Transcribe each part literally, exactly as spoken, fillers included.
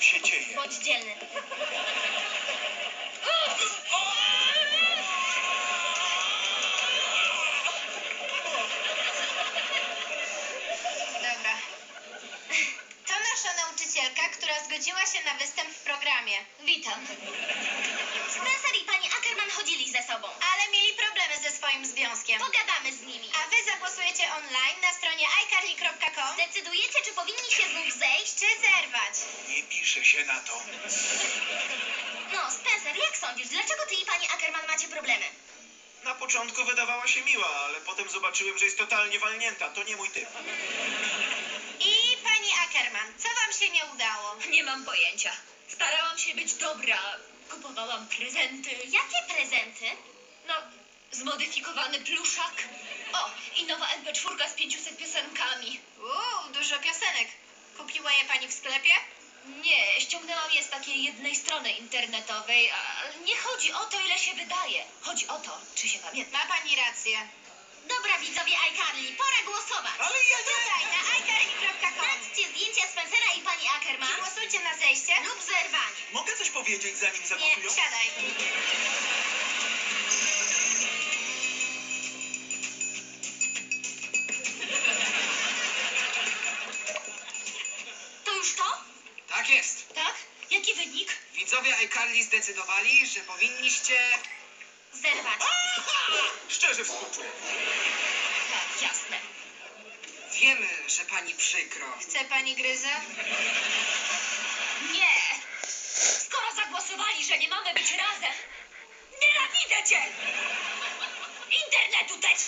się dzieje? Bądź dzielny. Dobra. To nasza nauczycielka, która zgodziła się na występ w programie. Witam. Spencer i pani Ackerman chodzili ze sobą. Ale mieli problemy ze swoim związkiem. Pogadamy z nimi. A wy zagłosujecie online na stronie i carly kropka com Zdecydujecie, czy powinni się znów zejść? czy zerwać. Nie pisze się na to. No, Spencer, jak sądzisz, dlaczego ty i pani Ackerman macie problemy? Na początku wydawała się miła, ale potem zobaczyłem, że jest totalnie walnięta. To nie mój typ. I pani Ackerman, co wam się nie udało? Nie mam pojęcia. Starałam się być dobra. Kupowałam prezenty. Jakie prezenty? No, zmodyfikowany pluszak. O, i nowa em pe cztery z pięciuset piosenkami. Uuu, dużo piosenek. Kupiła je pani w sklepie? Nie, ściągnęłam je z takiej jednej strony internetowej, ale nie chodzi o to, ile się wydaje. Chodzi o to, czy się pamięta. Ma pani rację. Dobra, widzowie iCarly, pora głosować. Ale ja nie... Tutaj, na i carly kropka com. Sprawdźcie zdjęcia Spencera i pani Ackerman Głosujcie na zejście. lub zerwanie. Mogę coś powiedzieć, zanim Nie, zagłosują? siadaj. To już to? Tak jest. Tak? Jaki wynik? Widzowie iCarly zdecydowali, że powinniście... Zerwać. Szczerze współczuję. Tak, jasne. Wiemy, że pani przykro. Chce pani gryza? Nie! Skoro zagłosowali, że nie mamy być razem, nienawidzę cię! Internetu też!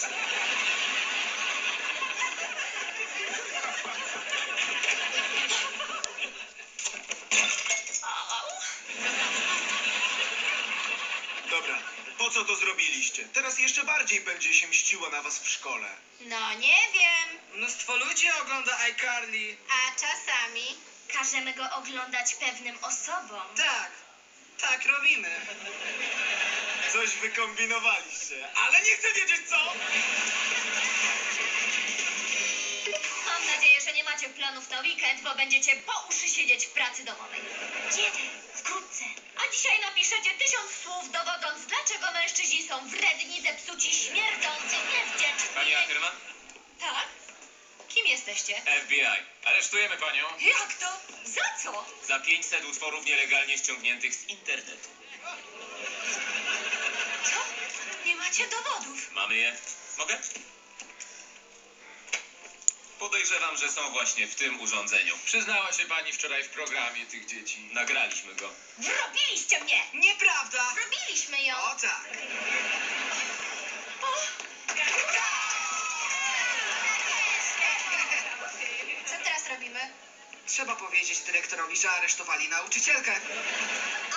Au. Dobra, po co to zrobiliście? Teraz jeszcze bardziej będzie się mściło na was w szkole. No nie wiem. Mnóstwo ludzi ogląda iCarly. A czasami... Każemy go oglądać pewnym osobom. Tak, tak robimy. Coś wykombinowaliście, ale nie chcę wiedzieć co! Mam nadzieję, że nie macie planów na weekend, bo będziecie po uszy siedzieć w pracy domowej. Kiedy? Wkrótce. A dzisiaj napiszecie tysiąc słów dowodząc, dlaczego mężczyźni są wredni, zepsuci, śmierdzący, niewdzięczni. Pani Ackerman? Tak? Kim jesteście? F B I. Aresztujemy panią Jak to? Za co? za pięćset utworów nielegalnie ściągniętych z internetu. Co? Nie macie dowodów. Mamy je? Mogę? Podejrzewam, że są właśnie w tym urządzeniu. Przyznała się pani wczoraj w programie tych dzieci. Nagraliśmy go. Wrobiliście mnie! Nieprawda. Robiliśmy ją. O tak. Co teraz robimy? Trzeba powiedzieć dyrektorowi, że aresztowali nauczycielkę.